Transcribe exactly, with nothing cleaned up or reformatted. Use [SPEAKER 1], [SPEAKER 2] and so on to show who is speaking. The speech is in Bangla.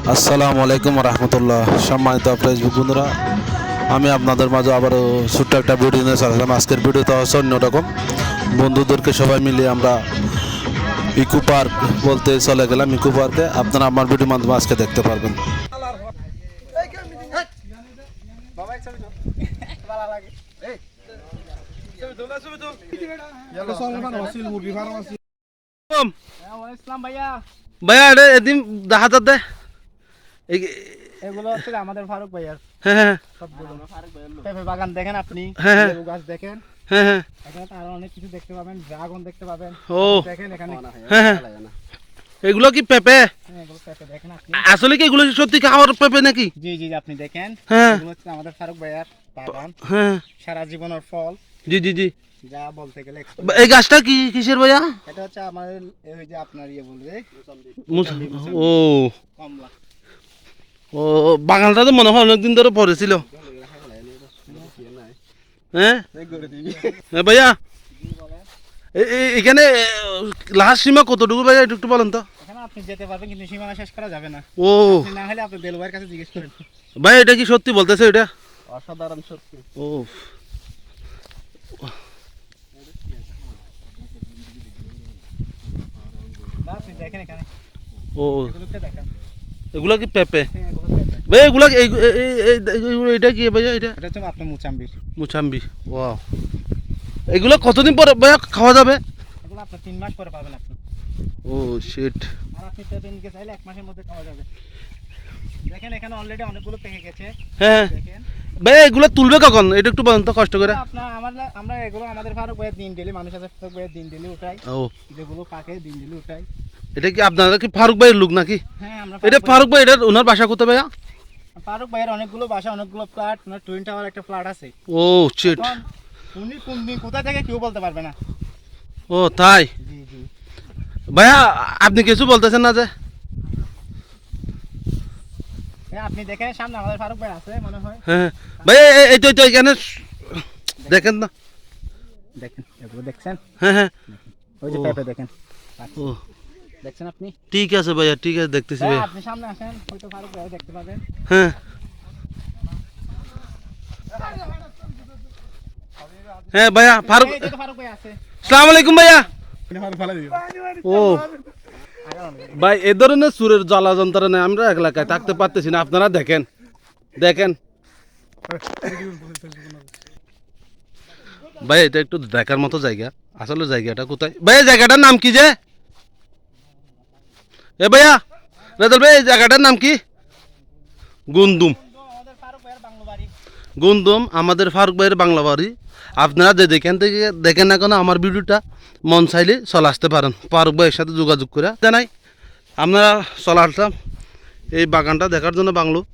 [SPEAKER 1] আসসালামু আলাইকুম রহমতুল্লাহ। সম্মানিত ফেসবুক বন্ধুরা, আমি আপনাদের মাঝে আবারও ছোট্ট একটা ভিডিও নিয়ে চলেছিলাম। আজকের ভিডিওটা হচ্ছে অন্যরকম। বন্ধুদেরকে সবাই মিলিয়ে আমরা ইকো পার্ক বলতে চলে গেলাম। ইকো পার্কে আপনারা আমার ভিডিওর মাধ্যমে আজকে দেখতে পারবেন। ভাইয়া এটা এদিন দেখা যাচ্ছে
[SPEAKER 2] এগুলো হচ্ছে আমাদের ফারুক ভাইয়ার
[SPEAKER 1] হ্যাঁ হ্যাঁ
[SPEAKER 2] সবগুলো পেঁপে বাগান দেখেন আপনি,
[SPEAKER 1] হ্যাঁ।
[SPEAKER 2] লেবু গাছ দেখেন,
[SPEAKER 1] হ্যাঁ হ্যাঁ
[SPEAKER 2] এখানে তো আরো অনেক কিছু দেখতে পাবেন, ড্রাগন দেখতে পাবেন।
[SPEAKER 1] ও
[SPEAKER 2] দেখেন এখানে
[SPEAKER 1] হ্যাঁ হ্যাঁ এগুলো কি পেঁপে?
[SPEAKER 2] হ্যাঁ, এগুলো পেঁপে দেখেন আপনি।
[SPEAKER 1] আসলে কি এগুলো সত্যি খাওয়ার পেঁপে নাকি?
[SPEAKER 2] জি জি জি, আপনি দেখেন
[SPEAKER 1] হ্যাঁ
[SPEAKER 2] এগুলো হচ্ছে আমাদের ফারুক ভাইয়ার বাগান,
[SPEAKER 1] হ্যাঁ
[SPEAKER 2] সারা জীবনের ফল
[SPEAKER 1] জি জি জি।
[SPEAKER 2] যা বলতে গেলে
[SPEAKER 1] এই গাছটা কি কিসের ভাইয়া?
[SPEAKER 2] এটা হচ্ছে আমাদের ওই যে আপনার ইয়ে বলবে
[SPEAKER 1] মুস- ও
[SPEAKER 2] কমলা।
[SPEAKER 1] ও বাগানটা তো মনে হয় অনেকদিন ধরে পড়েছিল। হ্যাঁ হ্যাঁ ভাইয়া, এ- এ- এখানে লাস্ট সীমা কতটুকু ভাইয়া একটু একটু বলেন তো।
[SPEAKER 2] এখানে আপনি যেতে পারবেন কিন্তু সীমানা শেষ করা যাবে না।
[SPEAKER 1] ও
[SPEAKER 2] আপনি না হলে আপনি দেলু ভাইয়ের কাছে জিজ্ঞেস করেন।
[SPEAKER 1] ভাই এটা কি সত্যি বলতেছে এটা?
[SPEAKER 2] অসাধারণ সত্যি।
[SPEAKER 1] ও
[SPEAKER 2] না, আপনি দেখেন এখানে
[SPEAKER 1] ও
[SPEAKER 2] এগুলোকে দেখেন।
[SPEAKER 1] এগুলা কি পেঁপে?
[SPEAKER 2] হ্যাঁ, এগুলো পেঁপে।
[SPEAKER 1] ভাই এগুলা কি- এই- এই- এই- এই- এই- এটা কি ভাইয়া? এটা
[SPEAKER 2] এটা হচ্ছে আপনার মুচাম্বির।
[SPEAKER 1] মুসাম্বি। ওয়াও, এগুলো কতদিন পরে ভাইয়া খাওয়া যাবে?
[SPEAKER 2] এগুলো আপনার তিন মাস পরে পাবেন আপনি।
[SPEAKER 1] ও শিট।
[SPEAKER 2] আর আপনি পেঁপে নিতে চাইলে এক মাসের মধ্যে খাওয়া যাবে। দেখেন এখানে অলরেডি অনেকগুলো পেকে গেছে।
[SPEAKER 1] হ্যাঁ
[SPEAKER 2] দেখেন
[SPEAKER 1] ভাই এগুলো তুলবে কখন? এটা একটু বলেন তো কষ্ট করে।
[SPEAKER 2] আপনার আমরা আমরা এগুলো আমাদের ফারুক ভাইয়ের দিন ডেলি মানুষ আছে ফারুক ভাইয়ের দিন ডেলি উঠাই,
[SPEAKER 1] ও
[SPEAKER 2] যেগুলো পাকে দিন ডেলি উঠাই।
[SPEAKER 1] এটা কি আপনারা কি ফারুক ভাইয়ের লোক নাকি?
[SPEAKER 2] হ্যাঁ, আমরা
[SPEAKER 1] এটা ফারুক ভাই, এটা ওনার বাসা কোথায় ভাইয়া?
[SPEAKER 2] ফারুক ভাইয়ের অনেকগুলো বাসা, অনেকগুলো ফ্ল্যাট, ওনার টুইন টাওয়ার একটা ফ্ল্যাট আছে।
[SPEAKER 1] Oh shit.
[SPEAKER 2] এখন উনি কোন দিন কোথায় থেকে কেউ বলতে পারবে না।
[SPEAKER 1] ও তাই
[SPEAKER 2] জি জি।
[SPEAKER 1] ভাইয়া, আপনি কিছু বলতেছেন না যে?
[SPEAKER 2] হ্যাঁ, আপনি দেখেন সামনে আমাদের ফারুক ভাই আছে মনে হয়।
[SPEAKER 1] হ্যাঁ ভাই এই তো এই তো এখানে দেখেন না।
[SPEAKER 2] দেখেন এগুলো দেখছেন,
[SPEAKER 1] হ্যাঁ হ্যাঁ
[SPEAKER 2] ওই যে
[SPEAKER 1] ও।
[SPEAKER 2] পেঁপে দেখেন,
[SPEAKER 1] ও
[SPEAKER 2] দেখছেন আপনি।
[SPEAKER 1] ঠিক আছে ভাইয়া, ঠিক আছে দেখতেছি
[SPEAKER 2] হ্যাঁ,
[SPEAKER 1] ভাইয়া।
[SPEAKER 2] আপনি সামনে আসেন, হয়তো ফারুক ভাই দেখতে পাবেন।
[SPEAKER 1] হ্যাঁ হ্যাঁ ভাইয়া ফারুক,
[SPEAKER 2] এই যে তো ফারুক ভাই আছে।
[SPEAKER 1] আসসালামু আলাইকুম ভাইয়া। ও ভাই, এ ধরনের সুরের জ্বালা যন্ত্রণা আমরা এক এলাকায় থাকতে পারতেছি না। আপনারা দেখেন দেখেন ভাই, এটা একটু দেখার মতো জায়গা। আসলে জায়গাটা কোথায় ভাই? এই জায়গাটার নাম কি যে? এ ভাইয়া রেজাল ভাই, এই জায়গাটার নাম কি? গুন্দুম।
[SPEAKER 2] আমাদের ফারুক ভাইয়ের বাংলো বাড়ি।
[SPEAKER 1] গুন্দুম আমাদের ফারুক ভাইয়ের বাংলা বাড়ি। আপনারা যে যেখান থেকে দেখেন না কেন, আমার ভিডিওটা মন চাইলে চলে আসতে পারেন, ফারুক ভাইয়ের সাথে যোগাযোগ করে। জানাই আপনারা চলে আসলাম এই বাগানটা দেখার জন্য বাংলো।